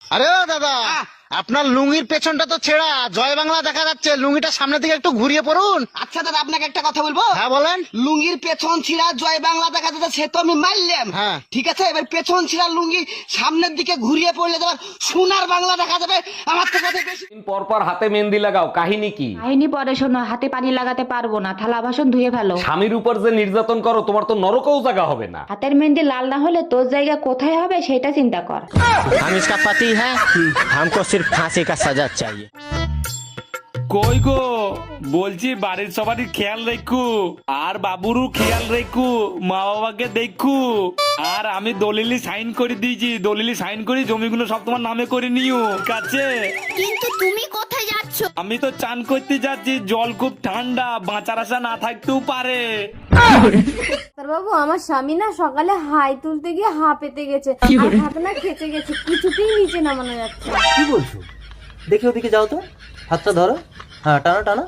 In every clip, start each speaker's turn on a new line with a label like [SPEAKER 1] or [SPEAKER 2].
[SPEAKER 1] আরে ও দাদা, আপনার লুঙ্গির পেছনটা তো ছেঁড়া, জয় বাংলা দেখা যাচ্ছে, লুঙ্গিটা সামনের দিকে একটু ঘুরিয়ে পড়ুন।
[SPEAKER 2] আচ্ছা দাদা, আপনাকে একটা কথা বলবো।
[SPEAKER 1] হ্যাঁ বলেন।
[SPEAKER 2] লুঙ্গির পেছন ছিঁড়া জয় বাংলা দেখা যাচ্ছে, সে তো আমি মারলাম।
[SPEAKER 1] হ্যাঁ।
[SPEAKER 2] ঠিক আছে, এবার পেছন ছিঁড়া লুঙ্গি সামনের দিকে ঘুরিয়ে পড়লে তোমার সোনার বাংলা দেখা যাবে। আমার তো কথা বেশি।
[SPEAKER 3] দিন পর পর হাতে মেহেন্দি লাগাও, কাহিনী কি?
[SPEAKER 4] কাহিনী পরে শোনো, হাতে পানি লাগাতে পারবো না, থালা বাসন ধুয়ে ফেলো।
[SPEAKER 3] স্বামীর উপর যে নির্যাতন করো, তোমার তো নরকও জায়গা হবে না।
[SPEAKER 4] হাতের মেহেন্দি লাল না হলে তোর জায়গা কোথায় হবে সেটা চিন্তা কর।
[SPEAKER 5] हम इसका पति है, हमको सिर्फ फांसी का सजा चाहिए।
[SPEAKER 6] কই গো, বলছি বাড়ির সবারই খেয়াল রেখু, আর বাবুরও খেয়াল রেখু, মা বাবাকে দেখু। আর আমি দলিলি সাইন করে দিয়েছি, দলিলি সাইন করে জমিগুলো সব তোমার নামে করে নিও, ঠিক আছে?
[SPEAKER 7] কিন্তু তুমি কোথায় যাচ্ছ?
[SPEAKER 6] আমি তো চান করতে যাচ্ছি, জল খুব ঠান্ডা, বাঁচার আশা না থাকতেও পারে।
[SPEAKER 8] বাবু, আমার স্বামী না সকালে হাই তুলতে গিয়ে হা পেতে গেছে, আর হাত না খেতে গেছে, কিছুতেই নিচে নামানো যাচ্ছে না।
[SPEAKER 9] কি বলছো? দেখে ওদিকে যাও তো, হাতটা ধরো। হ্যাঁ, টানো টানো।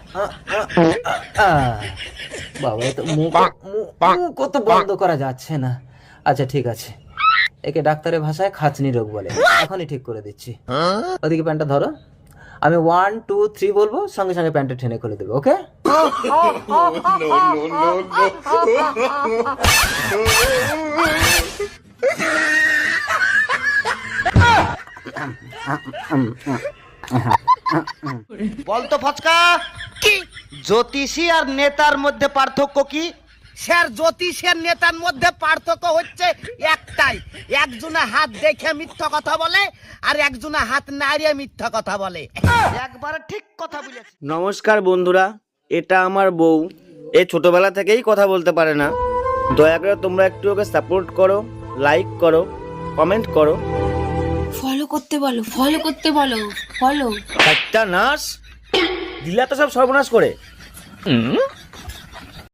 [SPEAKER 9] বাবা, এ তো মুখ কত বন্ধ করা যাচ্ছে না। আচ্ছা ঠিক আছে, একে ডাক্তারের ভাষায় খাঁচনি রোগ বলে, এখনই ঠিক করে দিচ্ছি। ওদিকে প্যান্টটা ধরো, আমি 1 2 3 বলবো, সঙ্গে সঙ্গে প্যান্টটা টেনে খুলে দেবে, ওকে?
[SPEAKER 2] বলতো ফচকা, কি জ্যোতিষী আর নেতার মধ্যে পার্থক্য কি? স্যার, জ্যোতিষের নেতার মধ্যে পার্থক্য হচ্ছে একটাই, একজনে হাত দেখে মিথ্যা কথা বলে আর একজনে হাত নাড়িয়ে মিথ্যা কথা বলে। একবার ঠিক কথা বলেছে।
[SPEAKER 5] নমস্কার বন্ধুরা, এটা আমার বউ। এ ছোটবেলা থেকেই কথা বলতে পারে না। দয়া করে তোমরা একটু ওকে সাপোর্ট করো, লাইক করো, কমেন্ট করো।
[SPEAKER 7] ফলো করতে বলো, ফলো করতে বলো, ফলো।
[SPEAKER 5] একটা নার্স দিলা তো সব সর্বনাশ করে।